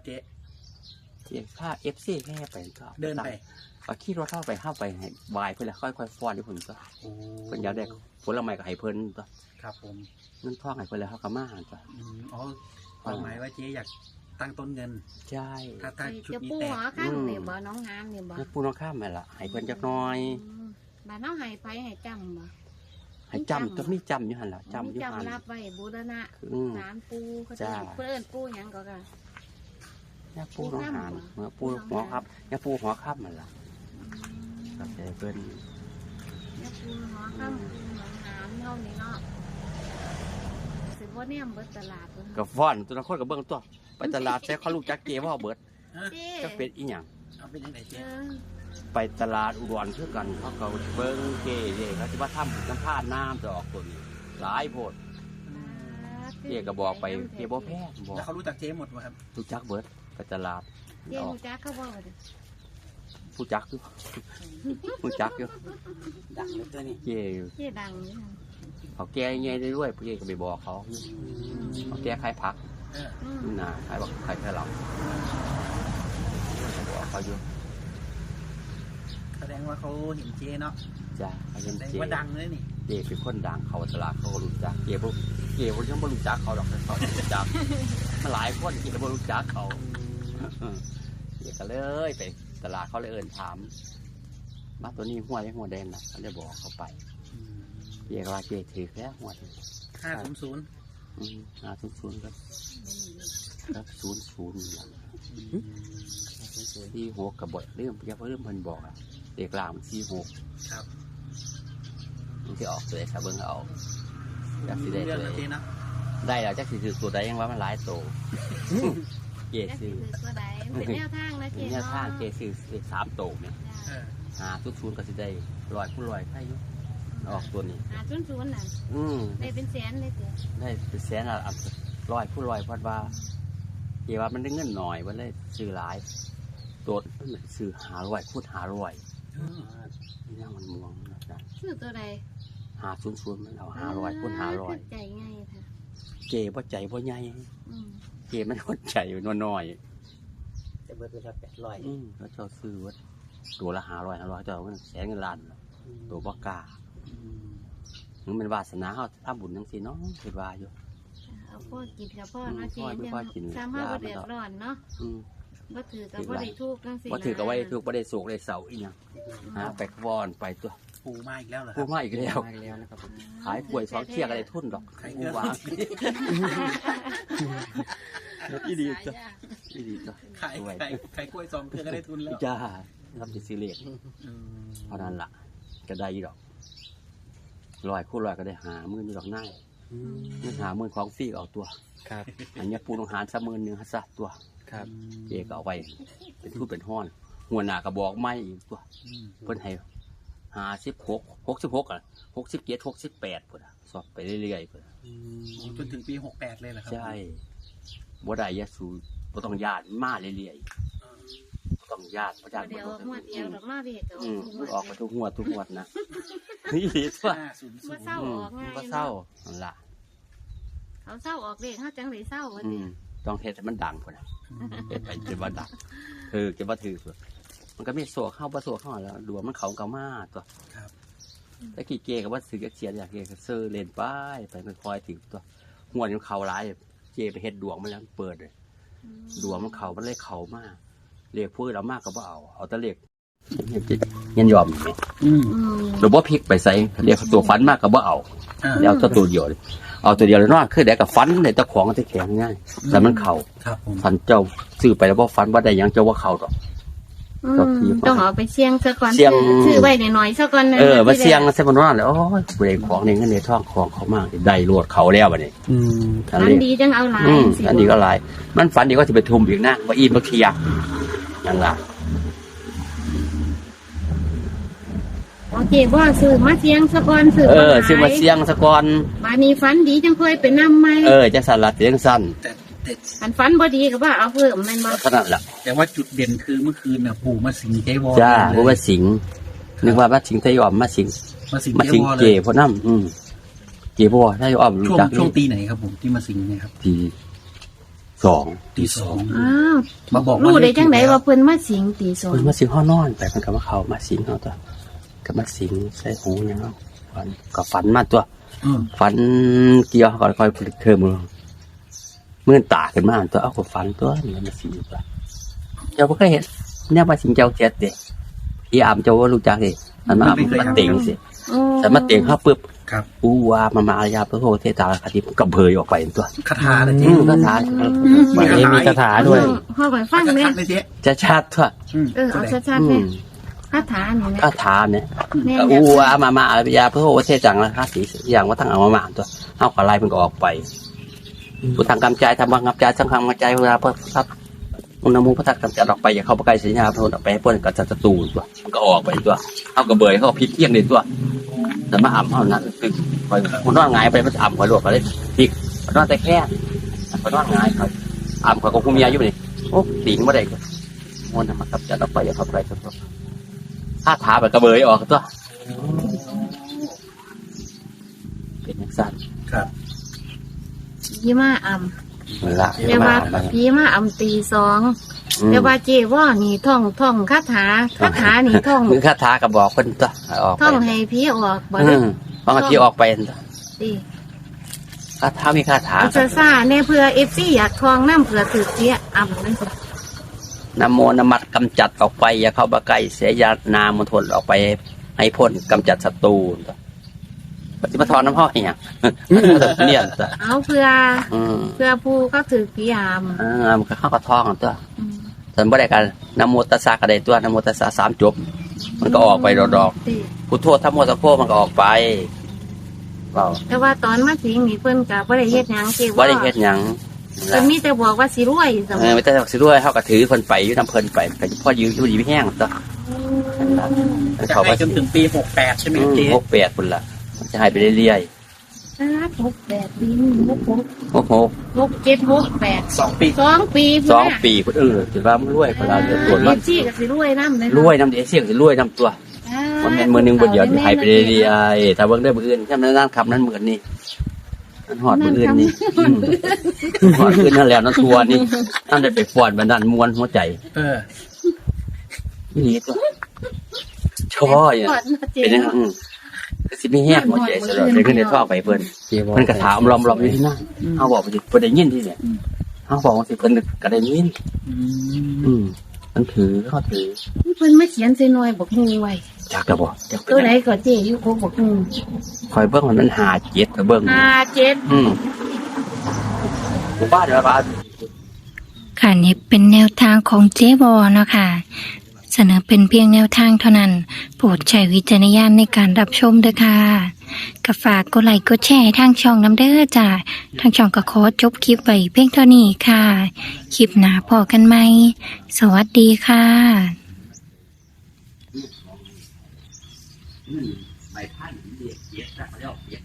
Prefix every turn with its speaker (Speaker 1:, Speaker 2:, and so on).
Speaker 1: เจ๊
Speaker 2: ถ้าFCแค่ไปก็
Speaker 1: เดินไป
Speaker 2: ก็ขี่รถเข้าไปให้วายเพิ่นแล้วค่อยๆฟ้อนให้เพิ่นก็เพิ่นอยากได้ผลไม้ก็ให้เพิ่นก็
Speaker 1: ครับผม
Speaker 2: เงินทองให้เพิ่นแล้วเขาก็มาหาจ้ะ
Speaker 1: อ๋อความหมายว่าเจ๊อยากตั้งต้นเงิน
Speaker 2: ใช่
Speaker 1: ถ้าชุดนี้
Speaker 3: แตกจะปูหัวข้ามนี่บ่น้องน้ำนี่บ่
Speaker 2: ปูน้องข้ามนั่นล่ะให้เพิ่นจักหน่อย
Speaker 3: บ้านน้องให้ไปให้จำบ่
Speaker 2: ให้จำก็มีจำอยู่หั่นล่ะจำอยู่หั่น
Speaker 3: จำรับไว้บูรณะศาลปูเขาจะเพิ่นปูหยังก็ค่ะ
Speaker 2: ยาปูน้องหานปูหัวครับยาปูหัวข้ามนั่นล่ะก็แต่เพิ่น
Speaker 3: ยาปูหัวข้ามน้องน้ำเท่านี้เนาะสิบ่เนี่ยเบิดตลาด
Speaker 2: ก็ฟ้อนตัวละคนก็เบิ่งตัวไปตลาดแต่เขารู้จักเกว่าเบิดจักเป็นอีหยัง
Speaker 1: เอาเป็นจังได๋เจ๊
Speaker 2: ไปตลาดอุดรคือกันเขาก็เบิ่งเกเด้เขาสิว่าทำสัมภาษณ์น้ำจะออกตัวนี้หลายโพดเกก็บอกไปเกบ่แพ้บอก
Speaker 1: แล้วเขารู้จักเจ๊หมดบ่ครับ
Speaker 2: รู้จักเบิดไปตลาด
Speaker 3: เจ๊รู้จักเขาบ่
Speaker 2: ผู้จักอยู่ผู้จักอยู่
Speaker 1: ดังเลยตัวนี้
Speaker 3: เจ๊ดังนี่
Speaker 2: เขาแก้ไงได้ด้วยพี่ก็ไปบอกเขาแก้ขายผักน่ะขายบอกขายแค่เราบอกเขาอยู่
Speaker 1: แสดงว่าเขาเห็นเจ๊เนาะ
Speaker 2: จ้ะเขาเห็นเจ๊
Speaker 1: ว่าดังเลยนี่
Speaker 2: เจ๊เป็นคนดังเขาตลาดเขารู้จักเจ๊พวกยังไม่รู้จักเขาหรอกเขารู้จักมาหลายคนที่ไม่รู้จักเขาเจ๊ก็เลยไปตลาดเขาเลยเอิญถามมาตัวนี้หัวแดงนะเขาเลยบอกเขาไปเจ๊ก็ว่าเจ๊ถือแค่หัว500 500ครับ00ที่6กับบทเรื่องเพิ่นบอกเด็กล่าง46
Speaker 1: ครับ
Speaker 2: มันจะออกตัวไหนครับเบิ่งเอาจักสิได้ตัวไหนได้แล้วจักสิถือตัวใดยังว่ามันหลายโตเจ๊ซื้อ
Speaker 3: ตัวใดเป็นแนวทางนะเจ๊
Speaker 2: แนวทางเจ๊ซื้อ3โตเนี่ย500ก็สิได้100 คูณ 100ใครอยู่ออกตัวนี้
Speaker 3: 500น่ะได้เป็นแสนเลยเจ๊
Speaker 2: ได้เป็นแสนอ่ะ100 คูณ 100เพราะว่าเจ๊ว่ามันได้เงินหน่อยมันเลยซื้อหลายตัวมันซื้อ500 คูณ 500นี่มันม่วงนะจ๊ะ
Speaker 3: ซื้อตัวใด
Speaker 2: 500มันเอา500 คูณ 500
Speaker 3: ใจง่ายค่ะ
Speaker 2: เจ๊บ่ใจบ่ใหญ่เจ๊มันคนใจน้อย
Speaker 1: ๆจะเบิดไปละ800
Speaker 2: เขาเจ้าซื้อว่าตัวละ500เจ้ามันแสนเงินล้านตัวบ่กล้ามันเป็นวาสนาเขาทำบุญจังซี่เนาะคิดว่าอยู่
Speaker 3: เอาพ่อกินกับพ่อเนาะเจ๊สามารถบ่เดือดร้อนเนาะบ่ถือกับบ่ได้ทุกข์จังซี่
Speaker 2: บ่ถือกับบ่ได้ทุกข์บ่ได้โศกได้เศร้าอีหยังไปวอนไปตัว
Speaker 1: ปูมาอีกแล้วเหรอ
Speaker 2: ปูมาอีกแล้วนะครับขายกล้วย2เที่ยก็ได้ทุนดอกปูวางอีดีจ้ะ
Speaker 1: ขายกล้วย2เที่ยก็ได้ทุนแล้ว
Speaker 2: จ้ารับสิซื้อเลขเท่านั้นล่ะก็ได้ดอก100 คูณ 100ก็ได้50,000อยู่ดอกนายเงิน50,000ของฟรีเอาตัว
Speaker 1: ครับ
Speaker 2: อันนี้ปูต้องหาร10,000ซะตัว
Speaker 1: ครับ
Speaker 2: เจ๊ก็เอาไว้เป็นทุนเป็นห้อนหัวหน้าก็บอกไม่อีกตัวเพิ่นให้56 66อ่ะ67 68พุ่นสอบไปเรื่อยๆพุ่น
Speaker 1: จนถึงปี68เลยเหรอครับ
Speaker 2: ใช่บ่ได้ยะสูบ่ต้องญาติมาเรื่อยๆบ่ต้องญาติบ่ญาติ
Speaker 3: เดี๋ยวงวดเดียวดอกมาเวก
Speaker 2: ออกไปทุกงวดนะนี่สิว่า
Speaker 3: บ่เศร้าออกง่าย
Speaker 2: บ่เศร้านั่นล่ะ
Speaker 3: เขาเศร้าออกเลขเฮาจังได๋เศร้าว่าติ
Speaker 2: ต้องเฮ็ดให้มันดังพุ่นน่ะเฮ็ดไปจนว่าดังจะบ่ถือมันก็มีโศกเข้าบ่โศกเข้าแล้วดูว่ามันเขาก็มาตัว
Speaker 1: ครับ
Speaker 2: แต่กี่เกก็ว่าซื้อเสียอยากเกก็ซื้อเล่นไปคอยถึงตัวหัวมันเขาหลายเจไปเฮ็ดดวงมันแล้วเปิดเลยดวงมันเขามันเลยเขามากเรียกพูดเรามากก็บ่เอาแต่เรียกยันยอมหรือว่าพลิกไปใส่เรียกตัวฟันมากก็บ่เอาแล้วตัวเดียวเอาตัวเดียวเลยเนาะคือได้กับฟันในตะของตะแข็งง่ายแต่มันเข่าฟันเจ้าซื้อไปแล้วว่าฟันว่าได้ยังเจ้าว่าเข่าดอก
Speaker 3: ต้องเอาไปเสี่ยงซะก่อนซื้อไว้หน่อยๆซะก่อน
Speaker 2: มาเสี่ยงซะมันว่าแล้วโอ้ยเบรกของในเงินในท้องของเขามากได้รวดเขาแล้วบัดนี้
Speaker 3: ฝันดีจังเอาหลาย
Speaker 2: ฝันดีก็หลายมันฝันดีก็สิไปทุ่มอีกนะว่าอีบ่เที่ยงนั่นล่ะ
Speaker 3: โอเคบ่ซื้อมาเสี่ยงซะก่อน
Speaker 2: ซื้อมาเสี่ยงซะก่อน
Speaker 3: บัดนี้ฝันดีจังค่อยไปนำใหม่
Speaker 2: จังสั่นล่ะเสียงสั่น
Speaker 3: อันฝันบ่ดีก็ว่าเอาเพิ่มแม่นบ่
Speaker 2: ขนาดล่ะ
Speaker 1: แต่ว่าจุดเด่นคือเมื่อคืนน่ะปู่มาสิงเจ๊วอ
Speaker 2: จ้าปู่มาสิงนึกว่ามาสิงไทยออมมาสิงเจพ่อนำเจบ่ไทยออมรู้จัก
Speaker 1: ช่วงปีไหนครับผมที่มาสิงเนี่ยครับ
Speaker 2: ปีสอง
Speaker 1: ตีสอง
Speaker 3: อ้าว
Speaker 1: มาบอก
Speaker 3: รู้ได้จังได
Speaker 1: เลข
Speaker 3: ว่าเพิ่นมาสิงตีสอง
Speaker 2: เพิ่นมาสิงห้อนอนไปเพิ่นก็มาเข้ามาสิงเฮาตัวก็มาสิงใส่หูหยังเฮาฝันก็ฝันมาตัว
Speaker 1: อืม
Speaker 2: ฝันเกี่ยวก่อนคอยผลิตเทอมเมื่อตาขึ้นมาตัวเอาก็ฝันตัวนี่มาสิงตัวเจ้าบ่เคยเห็นเนี่ยมาสิงเจ้าเจ็ดเด้พี่อามเจ้าว่ารู้จักเด้มันมามาเต็งสิ
Speaker 3: โอ้
Speaker 2: แต่มาเต็งเฮาปึ๊บ
Speaker 1: ครับ
Speaker 2: อูวามามายาพระโหเทตาคติมันก็เผยออกไปตัว
Speaker 1: คาถาเลยเจ๊
Speaker 2: คาถา
Speaker 4: มีคาถาด้วย
Speaker 3: พ่อไปฟัง
Speaker 1: ชั
Speaker 3: แม่
Speaker 1: ดๆเลยเจ๊
Speaker 2: จะชัดทั่ว
Speaker 3: เอาชัดๆแม่คาถานี่นะ
Speaker 2: คาถาเนี่ย
Speaker 3: แม่
Speaker 2: อูวามามายาพระโหเทจังราคาสีอย่างว่าทั้งเอามาตัวเฮาก็ไล่มันก็ออกไปพุทธังกำจายธรรมังกำจายสังฆังกำจายเวลาพระทัพมุนมุพระทักกำจัดออกไปอย่าเข้าไปใกล้สัญญาพระออกไปให้พ้นกับศัตรูตัวมันก็ออกไปตัวเฮาก็เบยเขาพลิกเที่ยงเลยตัวแต่มาอ่ำเท่านั้นคือคอยมันนอนหงายไปมันอ่ำคอยลวกไปเลยพลิกมันนอนแต่แค่มันนอนหงายคอยอ่ำคอยก็คุมยาอยู่นี่โอ้ตีนไม่ได้ก็มันทำมากับจัดออกไปอย่าเข้าไปใกล้ศัตรูถ้าถาแบบกระเบยออกตัวเป็นอย่างสั้น
Speaker 1: ครับ
Speaker 3: ยี่มาอ่
Speaker 2: เวลา
Speaker 3: ำแต่ว่าพี่มาอ่ำตีสองแต่ว่าเจว่านี่ท่องคาถานี่ท่อง
Speaker 2: มือคาถากระบอกคนตัวออกไป
Speaker 3: ท่องให้พี่ออกบ่
Speaker 2: บางทีออกไป
Speaker 3: ดิ
Speaker 2: คาถามีคาถา
Speaker 3: เอาซ่าๆเนี่ยเพื่อเอฟซีอยากทองน้ำเผื่อถือเจี๊ยอ่ำนั่นสิ
Speaker 2: นะโมนมัดกำจัดออกไปอย่าเข้ามาใกล้เสียยานามทนออกไปให้พ้นกำจัดศัตรูปฏิบัติธรรมน้ำห้อยอย่างเนี่ยตัว
Speaker 3: เอาเพื่อผู้ก็ถือกี่ยาม
Speaker 2: มันก็เข้ากระท้องตัวแต่บ่ได้กันนะโมตัสสะก็ได้ตัวนะโมตัสสะสามจบมันก็ออกไปดอก
Speaker 3: ดิ
Speaker 2: พุทโธธัมโมสังโฆมันก็ออกไปเปล่า
Speaker 3: แต่ว่าตอนมาสิงนี่เพิ่นก็บ่ได้เฮ็ดหยังเจ๊
Speaker 2: บ่
Speaker 3: ว่า
Speaker 2: ได้เฮ็ดหยัง
Speaker 3: เพิ่นมีแต่บอกว่าสิรวยสม
Speaker 2: ไม่ได้สักสิด้วยเขาก็ถือเพิ่นไปอยู่น้ำเพิ่นไปก็พ่อยืมอยู่ดีไม่แห้งตัว
Speaker 1: จะ
Speaker 2: เขา
Speaker 1: ให้
Speaker 2: ก็
Speaker 1: จนถึงปี68ใช่ไหมเจ๊
Speaker 2: 68พุ่นล่ะมันจะให้ไปเรื่อย
Speaker 3: 68ปี
Speaker 2: ๆโอ้โห
Speaker 3: 67
Speaker 1: 2 ปี
Speaker 3: 2 ปี
Speaker 2: 2 ปีพุ่นถือว่ามันรวยพุ่นล่ะเดี๋ยวตรวจ
Speaker 3: มั
Speaker 2: มัน น
Speaker 3: จี้ก็สิรวยนำเลย
Speaker 2: รวยน้ำเดียวเสี่ยงสิรวยน้ำตัวมันแม่นมื้อนึงบ่เดียวสิให้ไปเรื่อยๆถ้าเบิ่งได้มื้ออื่นจำนั้นคำนั้นเหมือนนี่มันฮอดมื้ออื่นนี่ฮอดมื้อนั่นแล้วนั่นทัวนี่นั่นได้ไปฟ้อนบันดาลมวลหัวใจ นี่ตัวช่ออย่างเป็นยังไงก็สิมีแห้งหัวใจสลดเลยขึ้นในท่อไปเพิ่นมันกระถามล้อมอยู่ที่นั่นเขาบอกไปสิเพิ่นได้ยินที่เนี่ยเขาบอกว่าสิเพิ่นก็ได้ยินมันถือเขาถือ
Speaker 3: เพิ่นมาเขียนใส่หน่วยบอกงูไว้
Speaker 2: จักกระบอกจัก
Speaker 3: ตัวไหนก็เจ๊อยู่โคกบอกงู
Speaker 2: คอยเบิ้งมันหาเจ็ดกับเบิ้ง บ้านเดี๋ยวบ้าน
Speaker 5: ค่ะนี่เป็นแนวทางของเจ๊บอเนาะค่ะเสนอเป็นเพียงแนวทางเท่านั้นโปรดใช้วิจารณญาณในการรับชมด้วยค่ะก็ฝากกดไลค์กดแชร์ทางช่องน้ำเด้อจ้าทางช่องก็ขอจบคลิปไว้เพียงเท่านี้ค่ะคลิปหน้าพอกันไหมสวัสดีค่ะ
Speaker 2: ใบพันธุ์เรียกเจ็ดนะเขาเรียกเจ็ด